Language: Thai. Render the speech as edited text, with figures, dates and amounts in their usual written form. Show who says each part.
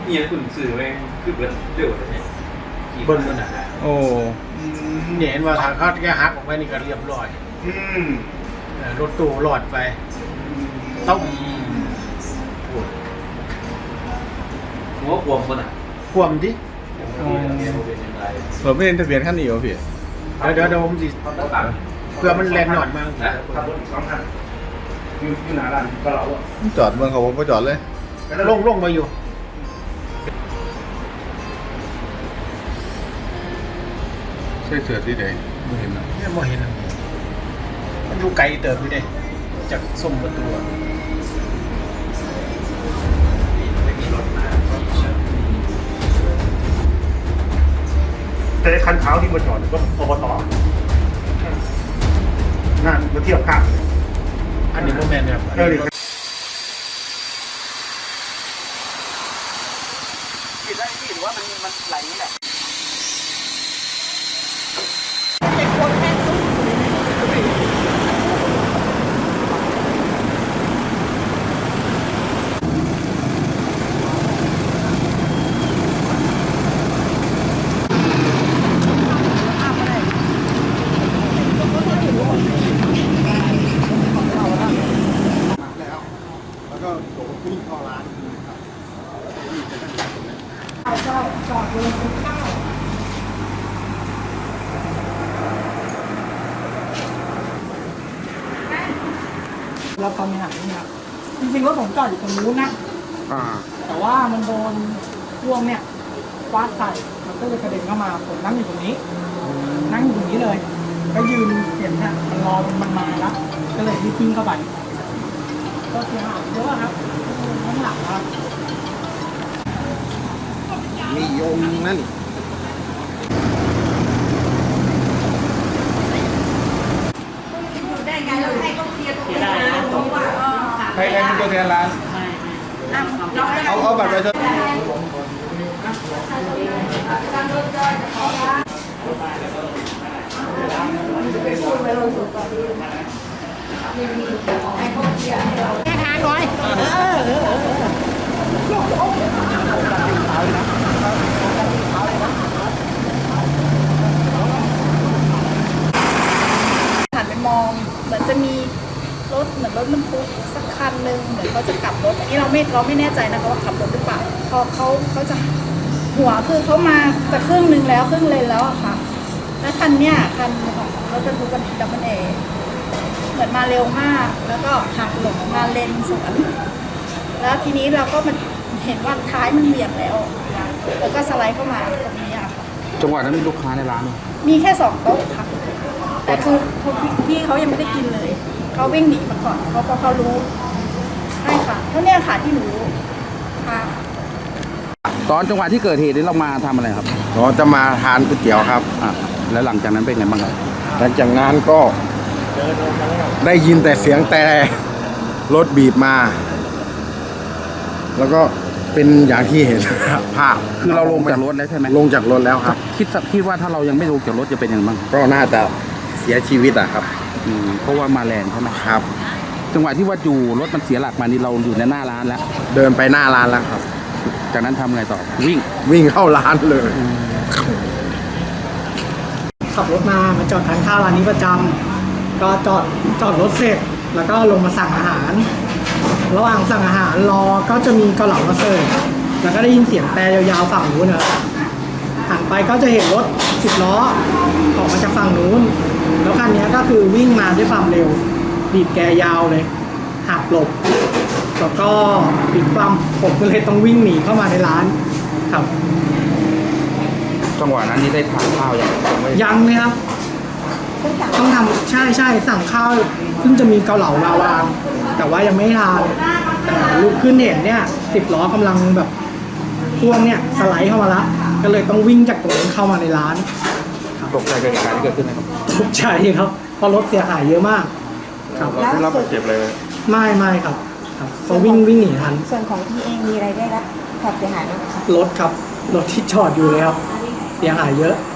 Speaker 1: นี่ยังคุณสื่อแม่งคือเบิร์ดเร็วเลยเนี่ย
Speaker 2: เบิ้ลมันอ่ะ
Speaker 3: โอ้
Speaker 2: เนี่ยเห็นว่าทางเขาแค่หักออกไปนี่ก็เรียบร้อยรถตู้หลอดไปต้อง
Speaker 1: หัวบวมคนอ่ะ
Speaker 2: ควมดิ
Speaker 3: เราไม่เห็นทะเบียนขั้นนี้เหรอพี่
Speaker 2: เดี๋ยวผมสิเพื่อมันแลนหนอดมา
Speaker 1: นะขับรถสองคันอยู่หน้าร้านก็เราอ่ะ
Speaker 3: จอดเมืองเขาผมก็จอดเลย
Speaker 2: ลงมาอยู่
Speaker 3: ใช่เสือที่ไหนไม่เห็นนะ
Speaker 2: เนี่ยมองเห็นมันอยู่ไกลเติบอยู่เด้จากส้มประตู
Speaker 1: ไม่มีรถมา
Speaker 4: แต่คันขาวที่มาจอดก็อบตนั่นมาเทียบข้าง
Speaker 2: อันนี้โมเมนต์ครับ
Speaker 5: ผิดได้พี่หรือว่ามันไหลนี่แหละ
Speaker 4: แล้วก็โดดขึ้นเข้าร้าน
Speaker 5: เราความหันนี่ครับจริงๆรถผมจอดอยู่ตรงนู้นนะแต่ว่ามันโดนพ่วงเนี่ยฟาดใส่มันก็เลยกระเด็นเข้ามาผมนั่งอยู่ตรงนี้ นั่งอยู่ตรงนี้เลย ก็ยืนเห็นเนี่ยมันรอมันมาแล้วก็เลยรีบวิ่งเข้าไปก็เสียหายเยอะครับข้างหลังครับ
Speaker 4: มีโยมนั่น
Speaker 6: ได้ไงเราให้เขาเคลียร์ตรงนี้นะว่า
Speaker 3: ใครเป็นตัวแทนร้านเอาบัตรประชาชน
Speaker 6: หันไปมองเหมือนจะมีรถเหมือนรถบรรทุกสักคันหนึ่งเหมือนเขาจะกลับรถอันนี้เราไม่แน่ใจนะคะว่าขับรถหรือเปล่าพอเขาจะหัวคือเขามาจะครึ่งนึงแล้วครึ่งเลนแล้วอะค่ะแล้วคันเนี้ยคันของรถบรรทุกดับเบิลเอเหมือนมาเร็วมากแล้วก็หักหลบมาเลนสวนแล้วทีนี้เราก็มันเห็นว่าท้ายมันเบี่ยงแล้วก็สไลด์เข้ามาตรงนี้อะค่ะ
Speaker 7: จังหวะนั้นมีลูกค้าในร้านไหม
Speaker 6: มีแค่2 โต๊ะค่ะแต่คือพี่เขายังไม่ได้กินเลยเขาวิ่งหนีมาก่อนเพราะเขารู้ใช่ค่ะเท่านี้ค่ะที่หนูค่ะ
Speaker 7: ตอนจังหวะที่เกิดเหตุนี้เรามาทำอะไรครับ
Speaker 4: เราจะมาทานก๋วยเตี๋ยวครับ
Speaker 7: แล้วหลังจากนั้นเป็นไงบ้างครับ
Speaker 4: หลังจากนั้นก็ได้ยินแต่เสียงแต่รถบีบมา แล้วก็เป็นอย่างที่เห็นภาพ
Speaker 7: คือเราลงจากรถแล้วใช่ไหม
Speaker 4: ลงจากรถแล้วครับ
Speaker 7: คิดว่าถ้าเรายังไม่ลงจากรถจะเป็นยังไงบ้าง
Speaker 4: ก็น่าจะเสียชีวิตอะครับ
Speaker 7: เพราะว่ามาแรงใช่ไหม
Speaker 4: ครับ
Speaker 7: จังหวะที่ว่าอยู่รถมันเสียหลักมานี่เราอยู่ในหน้าร้านแล้ว
Speaker 4: เดินไปหน้าร้านแล้วครับ
Speaker 7: จากนั้นทำไงต่อวิ่ง
Speaker 4: วิ่งเข้าร้านเลย
Speaker 5: ขับรถมาจอดทานข้าวร้านนี้ประจำก็จอดรถเสร็จแล้วก็ลงมาสั่งอาหาร ระหว่างสั่งอาหารรอก็จะมีเกาเหลามาเสิร์ฟแล้วก็ได้ยินเสียงแต่ยาวๆฝั่งนู้นนะหันไปก็จะเห็นรถ10 ล้อออกมาจากฝั่งนู้นแล้วคันนี้ก็คือวิ่งมาด้วยความเร็วบีบแกยาวเลยหักหลบแล้วก็ปิดความผมก็เลยต้องวิ่งหนีเข้ามาในร้านครับ
Speaker 7: จังหวะนั้นนี่ได้ทานข้าวยังไม่
Speaker 5: ยังเลยครับ ต้องทำใช่สั่งข้าวเพิ่งจะมีเกาเหลามาวางแต่ว่ายังไม่ทานแต่ลุกขึ้นเห็นเนี่ย10 ล้อกำลังแบบพ่วงเนี่ยสไลด์เข้ามาละก็เลยต้องวิ่งจากตรงนั้นเข้ามาในร้าน
Speaker 7: ตกใจกับเหตุการณ์ที่เกิดขึ้นไหมครับ
Speaker 5: ทุกใจครับเพราะรถเสียหายเยอะมากครับ
Speaker 3: เราได้รับบาดเจ็บเลย
Speaker 5: ไม่ครับเขาวิ่งหนีทัน
Speaker 6: ส่วนของพี่เองมีอะไรได้รับความเสียหายบ้างคะ
Speaker 5: รถครับรถที่จอดอยู่แล้วเสียหายเยอะ